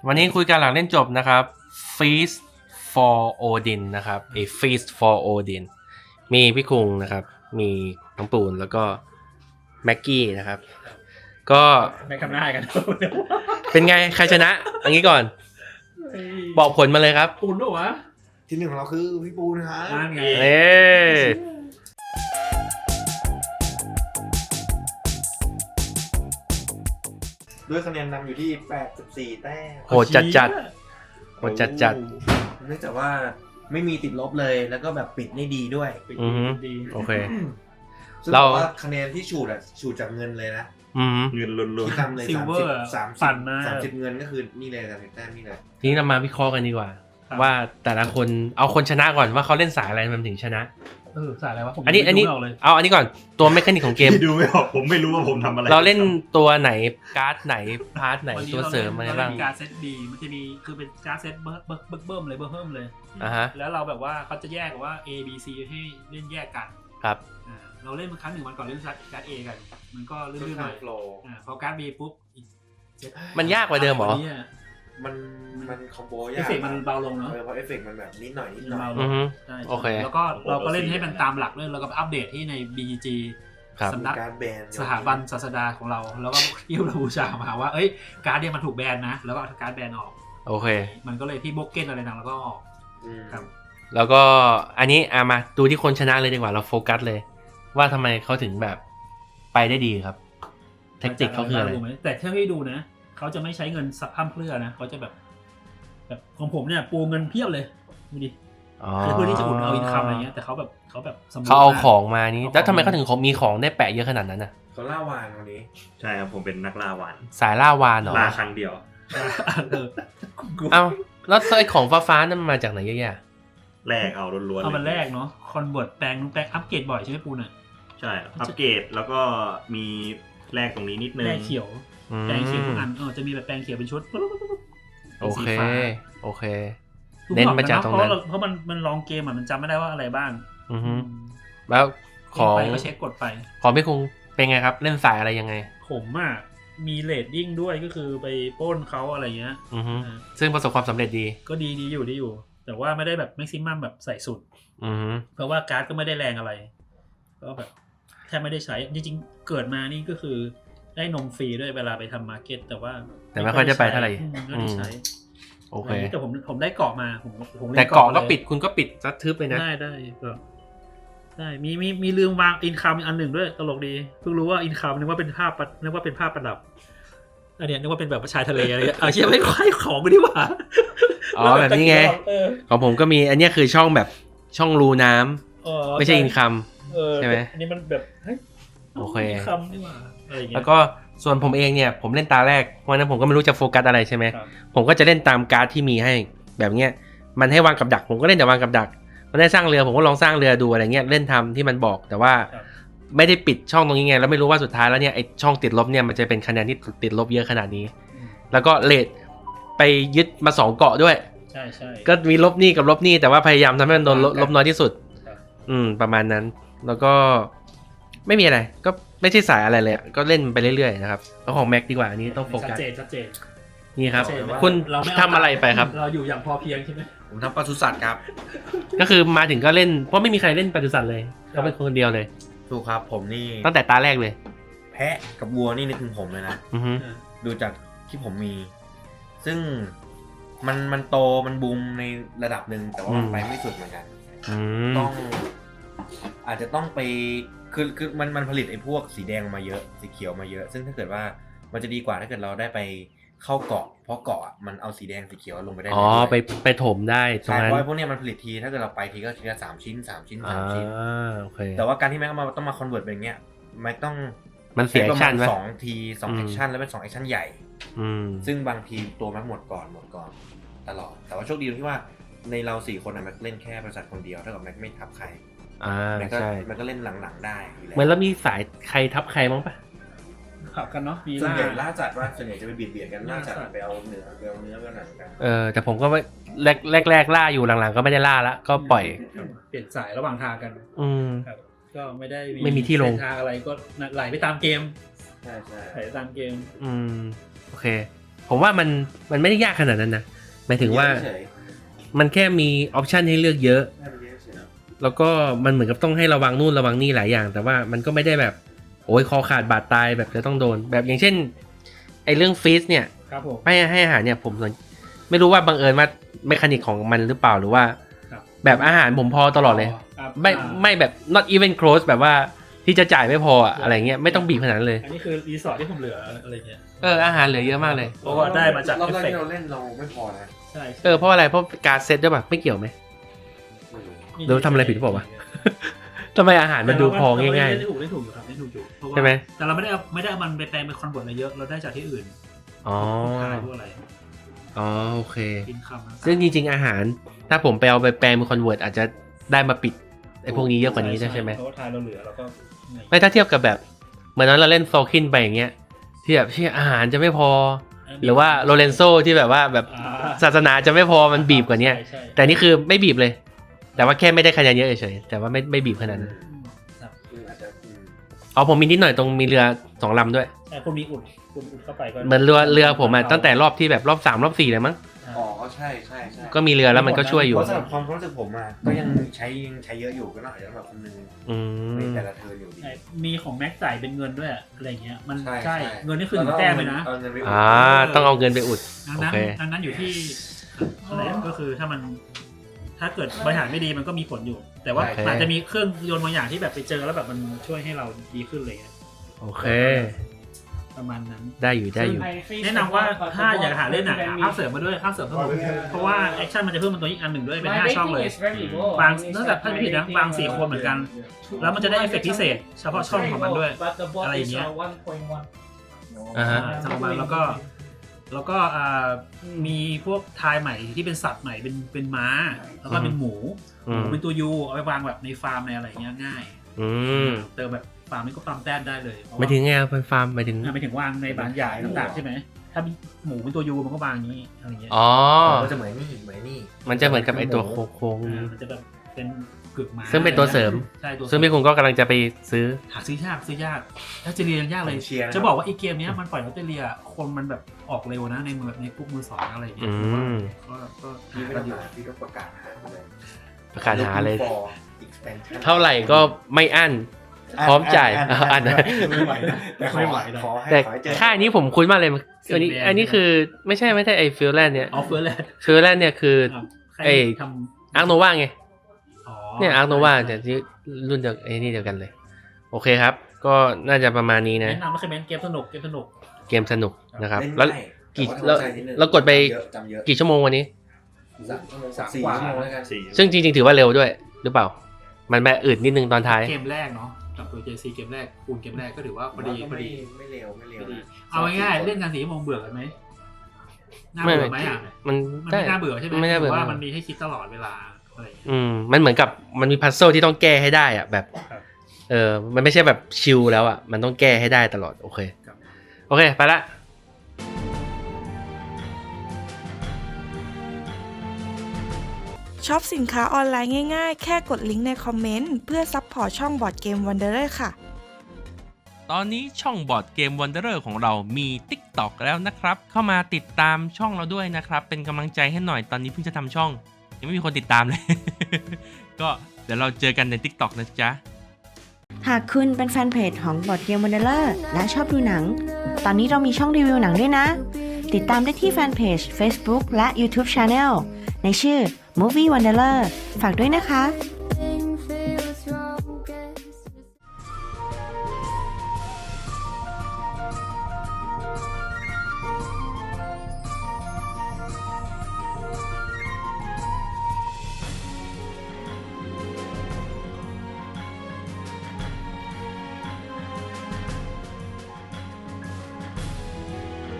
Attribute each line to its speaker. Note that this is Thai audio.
Speaker 1: วันนี้คุยกันหลังเล่นจบนะครับ Feast for Odin นะครับFeast for Odin มีพี่คุงนะครับมีน้องปูนแล้วก็แม็กกี้นะครับก็
Speaker 2: ไม่คำหน้ากัน
Speaker 1: เป็นไงใครชนะอันนี้ก่อนบอกผลมาเลยครับ
Speaker 2: ปูนด้วยวะ
Speaker 3: ที่หนึ่งของเราคือพี่ปูนะครับ
Speaker 2: นั่นไง
Speaker 3: ด้วยคะแนนนำอยู่ที่84แต้ม
Speaker 1: โหดจัดโหดจัด
Speaker 3: เนื่องจากว่าไม่มีติดลบเลยแล้วก็แบบปิดได้ดีด้วย
Speaker 2: ดี
Speaker 1: โอเค
Speaker 3: ซึ่งเราว่าคะแนนที่ฉูดจากเงินเลยนะ
Speaker 4: เงินล้วน
Speaker 3: ๆที่ทำเลย30เงินก็คือนี่เลย30แต้มนี่เลย
Speaker 1: ทีนี้เรามาวิเคราะห์กันดีกว่าว่าแต่ละคนเอาคนชนะก่อนว่าเขาเล่นสายอะไรมันถึงชนะ
Speaker 2: สายอะไรวะผม
Speaker 1: อันนี้เอาอันนี้ก่อนตัวเมคานิกของเกม
Speaker 4: ดูไม่ออกผมไม่รู้ว่าผมทำอะไร
Speaker 1: เราเล่นตัวไหนการ์ดไหนพาร์ทไหนตัวเสริมอะไรบ้าง
Speaker 2: การ์ดเซตบีมันจะมีคือเป็นการ์ดเซตเบิ่มเลยแล้วเราแบบว่าเขาจะแยกว่า A B C ให้เล่นแยกกัน
Speaker 1: ครับ
Speaker 2: เราเล่นมาครั้งหนึ่งวันก่อนเล่นการ์ด A กันมันก็เลื่อนๆหน่อยพอการ์ด B ปุ๊บ
Speaker 1: มันยากกว่าเดิมเหรอ
Speaker 3: มันคอมโบยาก
Speaker 2: เอฟเฟกต์มันเบาลงเนาะ
Speaker 3: เพราะเอฟเฟกต์มันแบบนิดหน่อย
Speaker 1: โอเค
Speaker 2: แล้วก็เราก็เล่นให้มันตามหลักเลยแล้วก็อัปเดตที่ใน BGG สำนักสถาบันศาสดาของเราแล้วก็ที่เราบูชามาว่าเอ้ยการ์ดเนี่ยมันถูกแบนนะแล้วก็เอาการ์ดแบนออก
Speaker 1: โอเค
Speaker 2: มันก็เลยที่บล็อกเก้นอะไรต่างแล้วก็ออก
Speaker 1: ครับแล้วก็อันนี้มาดูที่คนชนะเลยดีกว่าเราโฟกัสเลยว่าทำไมเขาถึงแบบไปได้ดีครับแทคติกเขาคืออะไร
Speaker 2: แต่ถ้าให้ดูนะเขาจะไม่ใช้เงินสับพั่มเพรื่อนะเขาจะแบบของผมเนี่ยปูเงินเพียบเลยดูดิเพื่อที่จะอุดเอาอินคัมอะไรเงี้ยแต่เขา
Speaker 1: เอาของมานี้แล้วทำไมเขาถึงมีของได้แปะเยอะขนาดนั้นน่ะ
Speaker 3: เขาล่าวานวันนี้
Speaker 4: ใช่ครับผมเป็นนักล่าวาน
Speaker 1: สายล่าวานเหรอ
Speaker 4: ล่าครั้งเดียว
Speaker 1: เอาแล้วไอ้ของฟ้านั่นมาจากไหนเยอะแยะ
Speaker 4: แลกเอาล้วนๆ
Speaker 2: เอามันแลกเนาะคอนเวิร์ตแปลงอัปเกรดบ่อยใช่ไหมปูน่ะ
Speaker 4: ใช่อัปเกรดแล้วก็มีแลกตรงนี้นิดนึง
Speaker 2: แลกเขียวแปลงเขียวทุกอันจะมีแบบแปลงเขียวเป็นชุด
Speaker 1: โอเคเน้นมาจากตรงนั้น
Speaker 2: เพราะมันลองเกมมันจำไม่ได้ว่าอะไรบ้าง
Speaker 1: แล้วของ
Speaker 2: ก็เช็คกดไป
Speaker 1: ของพี่คงเป็นไงครับเล่นสายอะไรยังไง
Speaker 2: ผมมีเรดดิ้งด้วยก็คือไปปล้นเขาอะไรเงี้ย
Speaker 1: ซึ่งประสบความสำเร็จดี
Speaker 2: ก็ดีอยู่แต่ว่าไม่ได้แบบแม็กซิมัมแบบใส่สุดเพราะว่าการ์ดก็ไม่ได้แรงอะไรก็แบบแทบไม่ได้ใช้จริงๆเกิดมานี่ก็คือได้นมฟรีด้วยเวลาไปทำมาร์เก็ตแต่
Speaker 1: ไม่ค่อยได้ไปเท่าไหร่
Speaker 2: ไม่ได้ใช้
Speaker 1: โอเค
Speaker 2: แต่ผมได้เกาะมาผม
Speaker 1: แต่เกาะก็ปิดคุณก็ปิดซัดทึบไปนะ
Speaker 2: ได้มีลืมวางอินคัมอันหนึ่งด้วยตลกดีเพิ่งรู้ว่าอินคัมนึกว่าเป็นภาพประดับอันนี้นึกว่าเป็นแบบชายทะเลอะไรเชื่อไม่ค่อยของกูดีกว่า
Speaker 1: แบบนี้ไงของผมก็มีอันนี้คือช่องแบบช่องรูน้ำไม่ใช่อินคัมใช่ไหม
Speaker 2: อันนี้มันแบบ
Speaker 1: โอเค
Speaker 2: อินคัมนี่หว่า
Speaker 1: แล้วก็ส่วนผมเองเนี่ยผมเล่นตาแรกเพราะนั้นผมก็ไม่รู้จะโฟกัสอะไรใช่ไหมผมก็จะเล่นตามการ์ดที่มีให้แบบเนี้ยมันให้วางกับดักผมก็เล่นแต่วางกับดักมันได้สร้างเรือผมก็ลองสร้างเรือดูอะไรเงี้ยเล่นทำที่มันบอกแต่ว่าไม่ได้ปิดช่องตรงนี้ไงแล้วไม่รู้ว่าสุดท้ายแล้วเนี่ยไอช่องติดลบเนี่ยมันจะเป็นคะแนนที่ติดลบเยอะขนาดนี้แล้วก็เลทไปยึดมา2เกาะด้วย
Speaker 2: ใช่
Speaker 1: ก็มีลบนี่กับลบนี่แต่ว่าพยายามทำให้มันโดนลบน้อยที่สุดประมาณนั้นแล้วก็ไม่มีอะไรก็ไม่ใช่สายอะไรเลยก็เล่นไปเรื่อยๆนะครับแล้วของแม็กดีกว่าอันนี้ต้องโฟกัส
Speaker 2: ชัดเจน
Speaker 1: นี่ครับคุณทำอะไรไปครับ
Speaker 2: เราอยู่อย่างพอเพียงใช่ไหม
Speaker 3: ผมทำปศุสัตว์ครับ
Speaker 1: ก็คือมาถึงก็เล่นเพราะไม่มีใครเล่นปศุสัตว์เลยก็เป็นคนเดียวเลย
Speaker 3: ถูกครับผมนี่
Speaker 1: ตั้งแต่ตาแรกเลย
Speaker 3: แพะกับวัวนี่นึกถึงผมเลยนะดูจากที่ผมมีซึ่งมันโตมันบูมในระดับหนึ่งแต่ว่ามันไปไม่สุดเหมือนกันต้องอาจจะต้องไปคือมันผลิตไอ้พวกสีแดงมาเยอะสีเขียวมาเยอะซึ่งถ้าเกิดว่ามันจะดีกว่าถ้าเกิดเราได้ไปเข้าเกาะเพราะเกาะมันเอาสีแดงสีเขียวลงไปได้
Speaker 1: ไปถมได้
Speaker 3: ใช่เพราะพวกนี้มันผลิตทีถ้าเกิดเราไปทีก็ทีละ3 ชิ้น
Speaker 1: โอเค
Speaker 3: แต่ว่าการที่แม็กต้องมาคอนเวิร์ตเป็นอย่างเงี้ยแม็กต้อง
Speaker 1: มันเสียแอคชั่นไหม
Speaker 3: 2 แอคชั่นแล้วเป็น2 แอคชั่นใหญ่ซึ่งบางทีตัวแม็กหมดก่อนตลอดแต่ว่าโชคดีตรงที่ว่าในเรา4 คนแม็กเล่นแค่บริษัทคนเดียวเท่ากับแม็กไม่ทับใคร
Speaker 1: ใช่
Speaker 3: มันก็เล่นหลังๆได้
Speaker 1: เหมือนแล้วมีสายใครทับใครมั้งปะ
Speaker 2: ขับกันเนาะ
Speaker 3: ส่วนใหญ่ล่าจัดว่าส่วนใหญ่จะไปเบียดกันล่าจัดไปเอาเนื้อไปหนังกัน
Speaker 1: แต่ผมก็แรกล่าอยู่หลังๆก็ไม่ได้ล่าละก็ปล่อย
Speaker 2: เปลี่ยนสายระหว่างทางกันครับก็
Speaker 1: ไม่มีที่ลง
Speaker 2: ทางอะไรก็ไหลไปตามเกม
Speaker 3: ใช่
Speaker 2: ไหลตามเกม
Speaker 1: โอเคผมว่ามันไม่ได้ยากขนาดนั้นนะหมายถึงว่า
Speaker 3: เฉย
Speaker 1: มันแค่มีออปชันให้เลือกเยอะ
Speaker 3: ๆให้มันเยอะเฉย
Speaker 1: แล้วก็มันเหมือนกับต้องให้ระวังนู่นระวังนี่หลายอย่าง แต่ว่ามันก็ไม่ได้แบบโอ้ยคอขาดบาดตายแบบจะต้องโดน แบบอย่างเช่นไอเรื่องฟีสเนี่ย
Speaker 2: ครับผม
Speaker 1: ให้อาหารเนี่ยผมไม่รู้ว่าบังเอิญว่าเมคานิกของมันหรือเปล่าหรือว่า
Speaker 2: ครับ
Speaker 1: แบบอาหารผมพอตลอดเลย
Speaker 2: ครับ
Speaker 1: ไม่แบบ not even close แบบว่าที่จะจ่ายไม่พออะอะไรเงี้ยไม่ต้องบีบขนาดนั้นเลย
Speaker 2: อันนี้คือรีสอร์ทที่ผมเหลืออะไรเงี้ย
Speaker 1: อาหารเหลือเยอะมากเลย
Speaker 2: เพราะว่าได้มาจาก
Speaker 3: รอบ
Speaker 2: เอฟ
Speaker 3: แรก
Speaker 2: เฟก
Speaker 3: ที่
Speaker 2: ต์
Speaker 3: เราเล่นเราไม่พอนะ
Speaker 2: ใช่
Speaker 1: เพราะอะไรเพราะการเซตด้วยป่ะไม่เกี่ยวไหม
Speaker 3: ไม่รู้
Speaker 1: หรือทำอะไรผิดหรือเปล่าวะ ทำไมอาหารมันดูพอง่าย
Speaker 2: ๆเล่นถูกอยู่ครับเล่นถูกอยู่เพราะว่า
Speaker 1: ใช่ไหม
Speaker 2: แต่เราไม่ได้เอามันไปแปลงเป็นคอนเวิร์ตอะไรเยอะเราได้จากที่อื่น
Speaker 1: ๆอ๋อ
Speaker 2: พวกขายพวกอะไร
Speaker 1: อ๋อโอเค
Speaker 2: กินคำนะ
Speaker 1: ซึ่งจริงๆอาหาร ถ้าผมไปเอาไปแปลงเป็นคอนเวิร์ตอาจจะได้มาปิดไอ้พวกนี้เยอะกว่านี้ใช่ไหม
Speaker 2: เพราะว่าทายเราเหลือเราก็
Speaker 1: ไม่ถ้าเทียบกับแบบเหมือนนั้นเราเล่นโซคินไปอย่างเงี้ยที่แบบที่อาหารจะไม่พอ หรือว่าโรเลนโซที่แบบว่าแบบศาสนาจะไม่พอมันบีบกว่านี้
Speaker 2: ใช่
Speaker 1: แต่นี่คือไม่บีบเลย แต่ว่าแค่ไม่ได้คะแนนเยอะเฉยๆแต่ว่าไม่บีบขนาดนั้น
Speaker 3: คืออาจจะ
Speaker 1: อ๋อผมมีนิดหน่อยตรงมีเรือ2 ลำด้วย
Speaker 2: แต่คุณมีอุดเข้าไปก็
Speaker 1: เหมือนเรือผมอะตั้งแต่รอบที่แบบรอบ3รอบ4เลยมั้ง
Speaker 3: อ๋อใช่ใช่
Speaker 1: ก็มีเรือแล้วมันก็ช่วยอยู่
Speaker 3: เพราะสำหรับความรู้สึกผมอ่ะก็ยังใช้เยอะอยู่ก็น่าจะสำหรับคนหนึง
Speaker 1: อืม
Speaker 3: ในแต่ละเทิร์นอยู่ดี
Speaker 2: ใช่มีของแม็กจ่ายเป็นเงินด้วยอะไรเงี้ยมัน
Speaker 3: ใช่
Speaker 2: ใช่
Speaker 3: ใช่
Speaker 2: เงินนี่คือ1 แต้มเลยนะ
Speaker 3: เอาเงินไปอุด
Speaker 1: ต้องเอาเงินไปอุด
Speaker 2: ดัง
Speaker 1: โอ
Speaker 2: นั้น
Speaker 1: เค
Speaker 2: ดังนั้นอยู่ที่อะไรก็คือถ้าเกิดบริหารไม่ดีมันก็มีผลอยู่ แต่ว่า
Speaker 1: โอเค
Speaker 2: อาจจะมีเครื่องยนต์บางอย่างที่แบบไปเจอแล้วแบบมันช่วยให้เราดีขึ้นเลย
Speaker 1: โอเค
Speaker 2: ประมาณนั้น
Speaker 1: ได้อยู่
Speaker 2: แนะนำว่าถ้าอยากหาเล่นหนังภาพเสริมมาด้วยภาพเสริมสนุกเพราะว่าแอคชั่นมันจะเพิ่มเป็นตัวอีกอันหนึ่งด้วยเป็น5 ช่องเลยบางนอกจากถ้าไม่ผิดนะบาง4 คนเหมือนกัน แล้วมันจะได้เอฟเฟกต์พิเศษเฉพาะช่องของมันด้วยอะไรอย่างเงี้ย
Speaker 1: อ่าฮะ
Speaker 2: สำหรับมันแล้วก็มีพวกทายใหม่ที่เป็นสัตว์ใหม่เป็นม้า แล้วก็เป็นหมู
Speaker 1: อืม
Speaker 2: เป็นตัวยูเอาไปวางแบบในฟาร์มในอะไรเงี้ยง่าย
Speaker 1: อืม
Speaker 2: เติมแบบฟาร์มนี่ก็ปั๊มแต้มได้เลย
Speaker 1: ไม่ถึงไงเป็นฟาร์มไปถึง
Speaker 2: ไม่ถึงวางในบานใหญ่ต่างๆใช่ไหมถ้าหมูเป็นตัวยูมันก็วางอย่างนี้อะไรเงี้ย
Speaker 1: อ๋อ
Speaker 3: ก็จะเหมือนนี่
Speaker 1: มันจะเหมือนกับไอตัวโค้ง
Speaker 2: มันจะแบบเป็นกึกม้า
Speaker 1: ซึ่งเป็นตัวเสริม
Speaker 2: ใช่ตัว
Speaker 1: ๆซึ่งพี่คุณก็กำลังจะไปซื้อ
Speaker 2: หาซื้อยากออสเตรเลียยังยากเลย
Speaker 3: เชียร์
Speaker 2: จะบอกว่าไอีเกมเนี้ยมันปล่อยออสเตรเลียคนมันแบบออกเร็วนะในพวกมือสองอะไรเงี้ย
Speaker 1: อืม
Speaker 2: ก็
Speaker 3: พี่
Speaker 2: หา
Speaker 3: ไม่
Speaker 2: กั
Speaker 3: ต้อน ง
Speaker 2: อยู่
Speaker 3: หาพี่ก็ประกาศหาเลย
Speaker 1: ประกาศหาเลย
Speaker 3: Looking for expansion
Speaker 1: เท่าไหร่ก็ไม่อั้น พร้อมจ่ายอันนะ
Speaker 3: ไม่ไหวนะแต่ขอขอให้
Speaker 1: แต่
Speaker 3: ขอให้เจอ
Speaker 1: ค่ายนี้ผมคุ้นมากเลยอันนี้คือไม่ใช่ไอฟิลแลนด์เนี่ย
Speaker 2: ออฟเฟอร์แลนด์
Speaker 1: ฟิลแลนด์เนี่ยคือ ไอ้
Speaker 2: ทำ
Speaker 1: อาร์โนวาไง
Speaker 2: อ๋อ
Speaker 1: เนี่ยอาร์โนวาแต่ที่รุ่นเดียวไอ้นี่เดียวกันเลย โอเคครับ ก็น่าจะประมาณนี้นะ
Speaker 2: แนะนำว่าเคยเป็นเกมสนุก
Speaker 1: เกมสนุกนะครับ
Speaker 3: เล่น
Speaker 1: แล้ว
Speaker 3: ง่าย
Speaker 1: กี่
Speaker 3: แต่ว่าทำใจนิดนึง
Speaker 1: แล้วกดไป
Speaker 3: จำเยอะ
Speaker 1: กี่ชั่วโมงวันนี้
Speaker 3: 4 ชั่วโมงแล้วกัน
Speaker 1: ซึ่งจริงๆถือว่าเร็วด้วย หรือเปล่า มันแบบอืดนิดนึงตอนท้าย
Speaker 2: เกมแรกเนาะกับตัว JC เกมแรกคูณเกมแรกก็ถือว่าพอดี
Speaker 3: ไม่เร็วไม่เร็วนะ
Speaker 2: เอาง่ายๆเล่นกัน4 ชั่วโมงเบื่อกันไหมน่า
Speaker 1: ไม่
Speaker 2: เบื่อไหมอ่ะ
Speaker 1: มัน
Speaker 2: มัน
Speaker 1: ได้
Speaker 2: ไม่น่าเบื่อใช่ไหม
Speaker 1: ไม่น่าเบื่อ
Speaker 2: ว่ามันมีให้คิดตลอดเวลาอะไรอย่างเงี้ย
Speaker 1: มันเหมือนกับมันมีพัซเซิลที่ต้องแก้ให้ได้อะแบบ
Speaker 2: ครับ
Speaker 1: มันไม่ใช่แบบชิลแล้วอ่ะมันต้องแก้ให้ได้ตลอดโอเค
Speaker 2: ครับ
Speaker 1: โอเคไปละ
Speaker 5: ช็อปสินค้าออนไลน์ง่ายๆ แค่กดลิงก์ในคอมเมนต์เพื่อซัพพอร์ตช่องบอร์ดเกมวันเดอร์ค่ะ
Speaker 1: ตอนนี้ช่องบอร์ดเกม Wanderer ของเรามี TikTok แล้วนะครับเข้ามาติดตามช่องเราด้วยนะครับเป็นกำลังใจให้หน่อยตอนนี้เพิ่งจะทำช่องยังไม่มีคนติดตามเลย ก็เดี๋ยวเราเจอกันใน TikTok นะจ๊ะ
Speaker 6: หากคุณเป็นแฟนเพจของบอร์ดเกมวันเดอร์และชอบดูหนัง ตอนนี้เรามีช่องรีวิวหนังด้วยนะ ติดตามได้ที่แฟนเพจ Facebook และ YouTube Channel ในชื่อ Movie Wanderer ฝากด้วยนะคะ